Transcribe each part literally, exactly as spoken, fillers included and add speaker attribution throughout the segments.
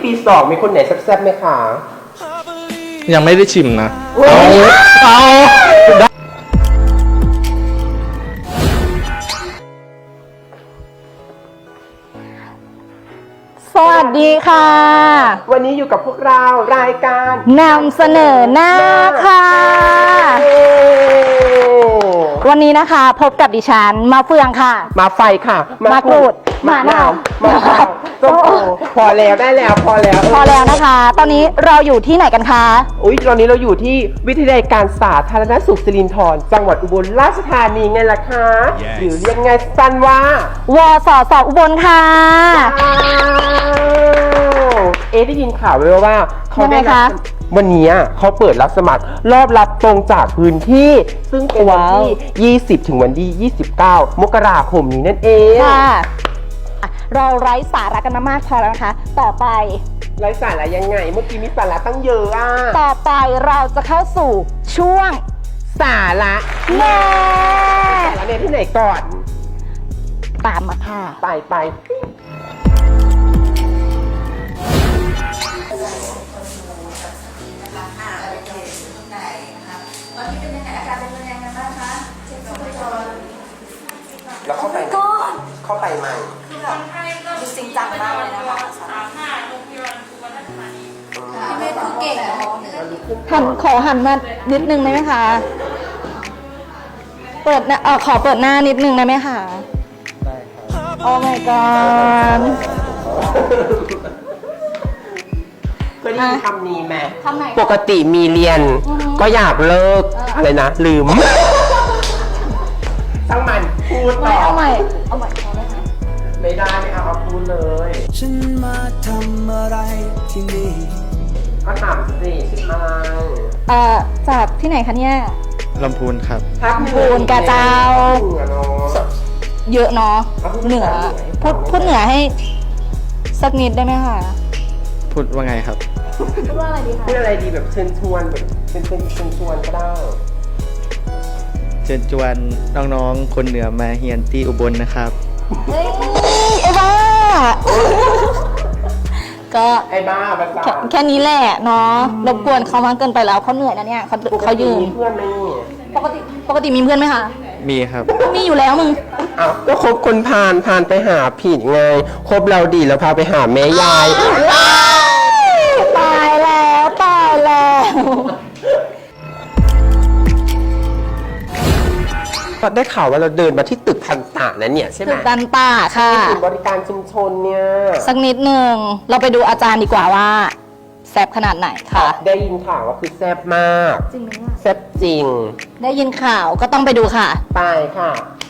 Speaker 1: ปีสองมีคนไหนแซ่บๆไหมคะ
Speaker 2: ยังไม่ได้ชิมนะเอาเอา
Speaker 3: สวัสดีค่ะ
Speaker 1: วันนี้อยู่กับพวกเรารายการ
Speaker 3: นำเสนอหน้าค่ะวันนี้นะคะพบกับดิฉันมาเฟืองค่ะ
Speaker 1: มาไฟค่ะ
Speaker 3: มากรูด
Speaker 1: มะนาวมะนาวส้มโอพอแล้วได้แล้วพอแล้ว
Speaker 3: พอแล้วนะคะ ตอนนี้เราอยู่ที่ไหนกันคะ
Speaker 1: อุ้ยตอนนี้เราอยู่ที่วิทยาลัยการสาธารณสุขสิรินธรจังหวัดอุบลราชธานีไงล่ะคะ yes. หรือเรียกไงสั้นว่าว
Speaker 3: สสอุบลค่ะ
Speaker 1: เอ๊ะได้ยินข่าวไว้ว่าเขาได้รับวันนี้เขาเปิดรับสมัครรอบรับตรงจากพื้นที่ซึ่งเป็นวันที่ยี่สิบถึงวันที่ยี่สิบเก้ามกราคมนี้นั่นเอง
Speaker 3: ค่ะเราไร้สาระกันมามากพอแล้วนะคะต่อไป
Speaker 1: ไร้สาระยังไงเมื่อกี้มีสาระตั้งเยอะอ่ะ
Speaker 3: ต่อไปเราจะเข้าสู่ช่วง
Speaker 1: สาระ
Speaker 3: แน่
Speaker 1: สาระเนี่ยที่ไหนก่อน
Speaker 3: ตามมาค่ะ
Speaker 1: ไปไปแล้วเข้าไปเข้าไปใหม่
Speaker 4: คือแบบดูจริงจังมากเลยนะคะพี่เมย์คือเก่งเนาะ
Speaker 3: หันขอหันมานิดนึงได้ไหมคะเปิดเออขอเปิดหน้านิดนึงได้ไหมคะได้ครับโอ้ my god
Speaker 1: เคยได้ยินคำนี้ไหม
Speaker 3: คำไหน
Speaker 1: ปกติมีเรียนก็อยากเลิกอะไรนะลืมทั้งมันพูดต่อ
Speaker 3: เอาใหม่เอาใหม่เอาไหมคะ
Speaker 1: ไม่ได้ไม่เอาเอาพูดเลย
Speaker 5: ฉันมาทำอะไรที่นี่
Speaker 1: ก็ถามสิชื่ออะไร
Speaker 3: เอ่อจากที่ไหนคะเนี่ย
Speaker 2: ลำพูนครับ
Speaker 3: ลำพูนกะเจ้าเยอะเนาะเหนือพูดพูดเหนือให้สักนิดได้ไหมคะ
Speaker 2: พูดว่าไงครับ
Speaker 3: พูดว่าอะไรดีคะ
Speaker 1: พูดอะไรดีแบบเชิญชวนแบบเป็นเป็นเชิญชวนก็ได้
Speaker 2: เชิญชวนน้องๆคนเหนือมาเฮียนที่อุบลนะครับ
Speaker 3: เฮ้ยไอ้บ้าก็
Speaker 1: ไอ้บ้าภาษา
Speaker 3: แค่นี้แหละเนาะรบกวนเขามากเกินไปแล้วเขาเหนื่อยนะเนี่ยเขาเขายืน
Speaker 1: มีเพื่อนไหม
Speaker 3: ปกติปกติมีเพื่อนไหมคะ
Speaker 2: มีครับ
Speaker 3: มีอยู่แล้วมึง
Speaker 1: อ้าวก็คบคนพาลพาลไปหาผิดไงคบเราดีแล้วพาไปหาแม่ยาย
Speaker 3: ตายแล้วตายแล้ว
Speaker 1: ได้ข่าวว่าเราเดินมาที่ตึกทันตะนะเนี่ยใช่ไหม
Speaker 3: ตึกทันตะค่ะ
Speaker 1: ศูนย์บริการชุมชนเนี่ย
Speaker 3: สักนิดหนึ่งเราไปดูอาจารย์ดีกว่าว่าแซ่บขนาดไหนค่ะ
Speaker 1: ได้ยินข่าวว่าคือแซ่บมาก
Speaker 3: จริงไหม
Speaker 1: แซ่บจริง
Speaker 3: ได้ยินข่าวก็ต้องไปดูค่ะ
Speaker 1: ไปค่ะ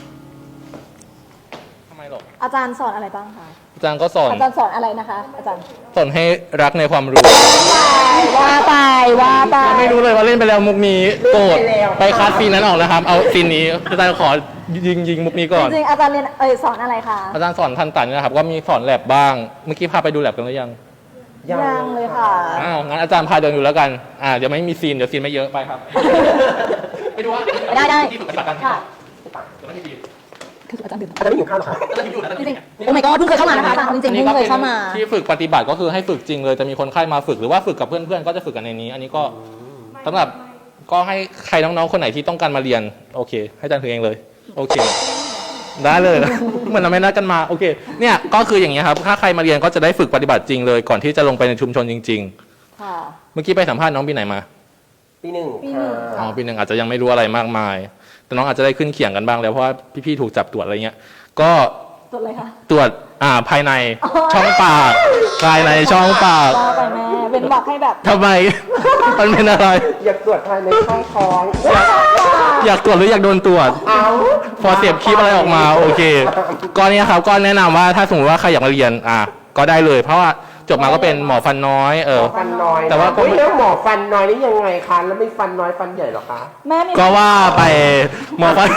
Speaker 2: ทำไมหรอ
Speaker 3: อาจารย์สอนอะไรบ้างคะ
Speaker 2: อาจารย์ก็สอน
Speaker 3: อาจารย์สอนอะไรนะคะอาจารย์
Speaker 2: สอนให้รักในความรู้
Speaker 3: ว่าไปว่าไป
Speaker 2: ไม่รู้เลยว่าเล่นไปแล้วมุกนี้โกรธไปคัดซีนนั้นออกแล้วครับเอาซีนนี้อาจารย์ขอยิงยิงมุกนี้ก่อน
Speaker 3: จริงอาจารย์เรียนเออสอนอะไรคะ
Speaker 2: อาจารย์สอนทันตันนะครับก็มีสอนแลบบ้างเมื่อกี้พาไปดูแลบกันหรือยัง
Speaker 3: ยังเลยค่ะ
Speaker 2: อ้าวงั้นอาจารย์พาเดินดูแล้วกันอ่าเดี๋ยวไม่มีซีนเดี๋ยวซีนไม่เยอะไปครับไปดูว่า
Speaker 3: ได้ได้
Speaker 2: ที่ฝึกปฏิบัติการ
Speaker 3: ค่ะ
Speaker 1: คืออาจารย์ดื่มอาจารย์ไม่อยู่ข้าวหรอ
Speaker 3: จริงๆโอ้ my god เพิ่งเคยเข้ามานะคะอาจารย์จริงๆเพิ่งเคยเข้ามา
Speaker 2: ที่ฝึกปฏิบัติก็คือให้ฝึกจริงเลยจะมีคนไข้มาฝึกหรือว่าฝึกกับเพื่อนๆก็จะฝึกกันในนี้อันนี้ก็สำหรับก็ให้ใครน้องๆคนไหนที่ต้องการมาเรียนโอเคให้อาจารย์ถือเองเลยโอเคได้เลยเหมือนเราไม่นัดกันมาโอเคเนี่ยก็คืออย่างนี้ครับถ้าใครมาเรียนก็จะได้ฝึกปฏิบัติจริงเลยก่อนที่จะลงไปในชุมชนจริงๆค่ะเมื่อกี้ไปสัมภาษณ์น้องปีไหนมา
Speaker 1: ปีหนึ่ง
Speaker 2: อ๋อปีหนึ่งอาจจะยังไม่รู้อะไรมากมายแต่น้องอาจจะได้ขึ้นเขียงกันบ้างแล้วเพราะว่าพี่ๆถูกจับตรวจอะไรเงี้ยก็
Speaker 3: ตรวจอะไรคะ
Speaker 2: ตรวจอ่าภายในช่องปากภายในช่องปาก
Speaker 3: ไปแม่เป็นบอกให้แบบ
Speaker 2: ทำไมมันเป็นอะไร
Speaker 1: อยากตรวจภายในช่องท้อง
Speaker 2: อยากตรวจหรืออยากโดนตรวจพอเสียบคลิปอะไรออกมาโอเคก็เนี่ยครับก็แนะนำว่าถ้าสมมติว่าใครอยากมาเรียนอ่ะก็ได้เลยเพราะว่าจบมาก็เป็นหมอฟันน้อยเออ
Speaker 1: ฟันน้อย
Speaker 2: แต่ว่าก็
Speaker 1: ไม่แล้วหมอฟันน้อยนี่ยังไงคะแล้วไม่ฟันน้อยฟันใหญ่หรอคะ
Speaker 3: แม่
Speaker 2: ก็ว่าไปหมอฟัน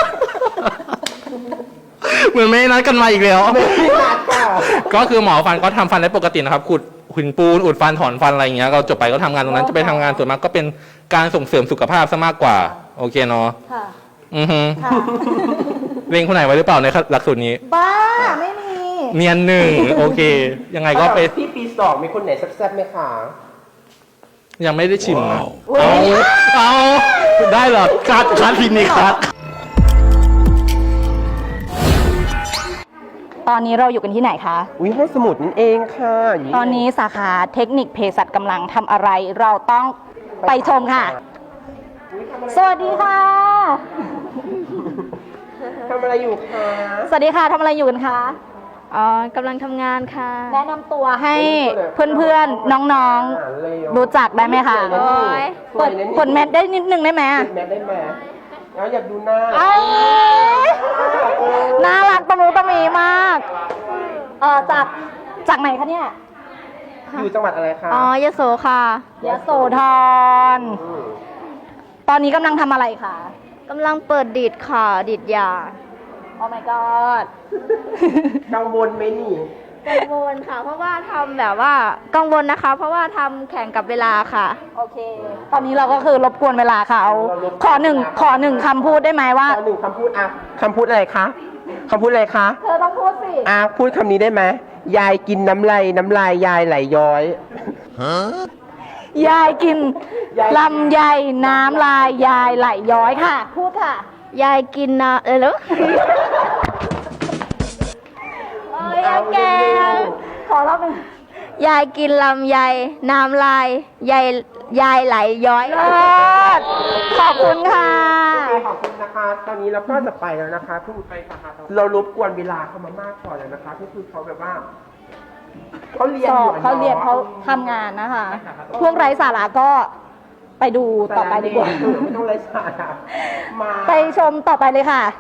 Speaker 2: เหมือนไม่นัดกันมาอีกแล้วก็คือหมอฟันก็ทำฟันได้ปกตินะครับขุดหุ่นปูนอุดฟันถอนฟันอะไรอย่างเงี้ยเราจบไปก็ทำงานตรงนั้นจะไปทำงานส่วนมากก็เป็นการส่งเสริมสุขภาพซะมากกว่าโอเคเนาะ
Speaker 3: ค่ะ
Speaker 2: อือฮึเรียนคนไหนไว้หรือเปล่าในหลักสูตรนี้
Speaker 3: บ้าไม่มี
Speaker 2: เนียนหนึ่งโอเค ยังไงก็ไป
Speaker 1: พี่ปีสองมีคนไหนแซ่บๆไหมคะ
Speaker 2: ยังไม่ได้ชิมนะเอาเอาได้เหรอคัดคัดทีนี้คัด
Speaker 3: ตอนนี้เราอยู่กันที่ไหนคะ
Speaker 1: อุ้ยห้องสมุดนั่นเองค่ะยู่
Speaker 3: ตอนนี้สาขาเทคนิคเภสัชกำลังทำอะไร เราต้องไปชมค่ะ สวัสดีค่ะ
Speaker 1: ทำอะไรอยู่คะ
Speaker 3: สวัสดีค่ะทำอะไรอยู่กันคะ
Speaker 4: อ๋อกำลังทำงานค่ะ
Speaker 3: แนะนำตัวให้เพื่อนๆ น้องๆ รู้จักได้ไหมคะ
Speaker 1: โอ้ย
Speaker 3: เปิดผลแมทได้นิดนึงได้ไหม
Speaker 1: แม่ได้ไหมแล้วอยากดูหน้า
Speaker 3: เอ้ยน่ารักตะมูตะมีมากเออจากจากไหนคะเนี่ย
Speaker 1: อยู่จังหวัดอะไรคะ
Speaker 4: อ๋อยโสค่ะ
Speaker 3: ยโสธรตอนนี้กำลังทำอะไรคะ
Speaker 4: กำลังเปิดดีดค่ะดีดยา
Speaker 3: โอ้ my god
Speaker 1: กังวลไหมนี่
Speaker 4: กังวลค่ะ เพราะว่าทำแบบว่ากังวลนะคะ เพราะว่าทำแข่งกับเวลาค่ะ
Speaker 3: โอเค ตอนนี้เราก็คือรบกวนเวลาค่ะเอาขอหนึ่งขอหนึ่งคำพูดได้ไหมว่า
Speaker 1: ขอหนึ่งคำพูดอ่ะคำพูดอะไรคะคำพูดอะไรคะ
Speaker 3: เธอต้องพูดสิ
Speaker 1: อ่ะพูดคำนี้ได้ไหมยายกินน้ำลายน้ำลายยายไหลย้อย
Speaker 3: ยายกิน
Speaker 1: ยาย
Speaker 3: ลำไยน้ำลายยายไหลย้อยค่ะ พูดค่ะ
Speaker 4: ยายกินนะเออแล้ว
Speaker 3: เอ้ยอะแกขอรอบหนึ่ง
Speaker 4: ยายกินลำไยน้ำลายยายยายไหลย้อย
Speaker 3: เลิศขอบคุณค่ะ
Speaker 1: โอเคขอบคุณนะคะ ตอนนี้เราก็จะไปแล้วนะคะเพิ่งไปสาขาเรารบกวนเวลาเขามามากพอแล้วนะคะก็คือเขาแบบว่าเขาเรียน
Speaker 3: ส
Speaker 1: อ
Speaker 3: อยู่ บ
Speaker 1: อะ
Speaker 3: เขาเรียนเขาทำงานนะคะ พวกไร้สาระก็ไปดูต่อไปดีกว่า
Speaker 1: เออไม่ต้องไร้สาระมา
Speaker 3: ไปชมต่อไปเลยค่ะ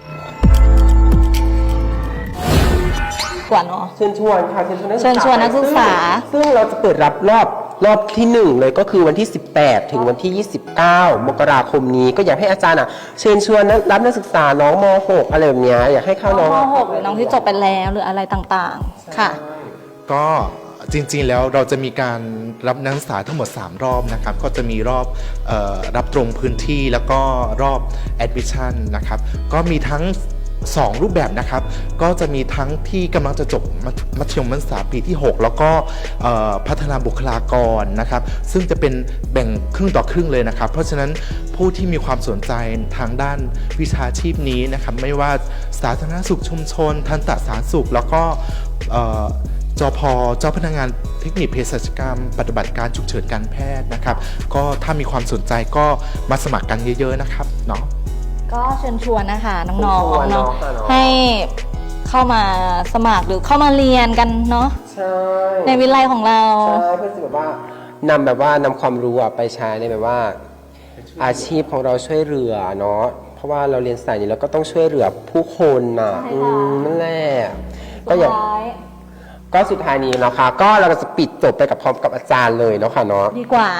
Speaker 3: กว่าเนาะ
Speaker 1: เชิญชวนค่ะเชิญชวนนักศึกษา
Speaker 3: เชิญชวนนักศึกษา
Speaker 1: ซึ่งซึ่งเราจะเปิดรับรอบรอบที่หนึ่งเลยก็คือวันที่ สิบแปด ถึงวันที่ ยี่สิบเก้า มกราคมนี้ก็อยากให้อาจารย์อ่ะเชิญชวนนักรับนักศึกษาน้องม หก อะไรแบบเนี้ยอยากให้เข้าน้อง
Speaker 3: ม หก หรือน้องที่จบไปแล้วหรืออะไรต่างๆ ค่ะ
Speaker 6: ก็จริงๆแล้วเราจะมีการรับนักศึกษาทั้งหมด สาม รอบนะครับ ก็จะมีรอบเออรับตรงพื้นที่แล้วก็รอบ admission นะครับ ก็มีทั้ง สอง รูปแบบนะครับ ก็จะมีทั้งที่กำลังจะจบมัธมัธยมศึกษาปีที่ หก แล้วก็เอ่อพัฒนาบุคลากรนะครับ ซึ่งจะเป็นแบ่งครึ่งต่อครึ่งเลยนะครับ เพราะฉะนั้นผู้ที่มีความสนใจทางด้านวิชาชีพนี้นะครับ ไม่ว่าสาธารณสุขชุมชน ทันตสาธารณสุข แล้วก็เอ่อจพเจ้าพนักงานเทคนิคเภสัชกรรม ปฏิบัติการฉุกเฉินการแพทย์นะครับ ก็ถ้ามีความสนใจก็มาสมัครกันเยอะๆนะครับเนาะ
Speaker 3: ก็เชิญชวนนะคะน้อง
Speaker 1: เชิญชวน
Speaker 3: ๆเนาะ
Speaker 1: เนาะค่ะเนาะ
Speaker 3: ให้เข้ามาสมัครหรือเข้ามาเรียนกันเนาะ
Speaker 1: ใช่
Speaker 3: ในวิไลของเรา
Speaker 1: ใช่เพื่อจะแบบว่านำแบบว่านำความรู้อะไปใช้ในแบบว่า อาชีพของเราช่วยเหลือเนาะเพราะว่าเราเรียนสายนี้เราก็ต้องช่วยเหลือผู้คนน่ะ
Speaker 3: ใช่ค่ะ
Speaker 1: อืมนั่นแหละก็อย่าง
Speaker 3: สุดท้าย
Speaker 1: ก็สุดท้ายนี้นะคะ ก็เราก็จะปิดจบไปกับพร้อมกับอาจารย์เลยเนาะค่ะเนาะ
Speaker 3: ดีกว่า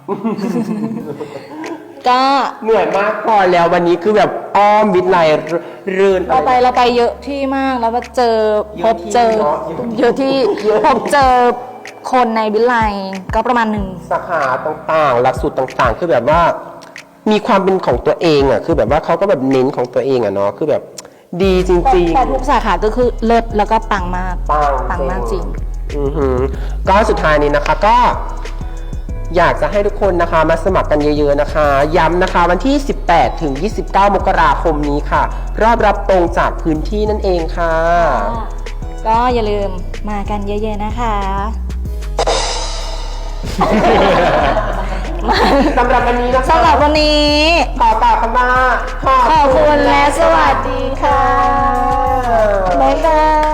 Speaker 3: ก็
Speaker 1: เหนื่อยมากพอแล้ววันนี้คือแบบอ้อมวิทย์ไลเรื่น
Speaker 3: เราไปเราไปเยอะที่มากแล้วก็เจอพบเจอ
Speaker 1: เยอะที่
Speaker 3: เยอะที่
Speaker 1: เยอะ
Speaker 3: พบเจอคนในวิไลก็ประมาณหนึ่ง
Speaker 1: สาขาต่างๆ หลักสูตรต่างๆ คือแบบว่ามีความเป็นของตัวเองอ่ะคือแบบว่าเขาก็แบบเน้นของตัวเองอ่ะเนาะคือแบบดีจริง
Speaker 3: แต่ทุกสาขาก็คือเลิศแล้วก็ปังมาก
Speaker 1: ๆปัง
Speaker 3: ปังมากจริง
Speaker 1: อือหือก็สุดท้ายนี้นะคะก็ อยากจะให้ทุกคนนะคะมาสมัครกันเยอะๆนะคะ ย้ำนะคะวันที่ สิบแปด ถึง ยี่สิบเก้า มกราคมนี้ค่ะ รอบรับตรงจากพื้นที่นั่นเองค่ะ
Speaker 3: ก็อย่าลืมมากันเยอะๆนะคะ
Speaker 1: สำหรับวันนี้นะคะ
Speaker 3: สำหรับวันนี้
Speaker 1: ขอกล่าวคำว่า
Speaker 3: ขอบคุณและสวัสดีค่ะ บ๊ายบาย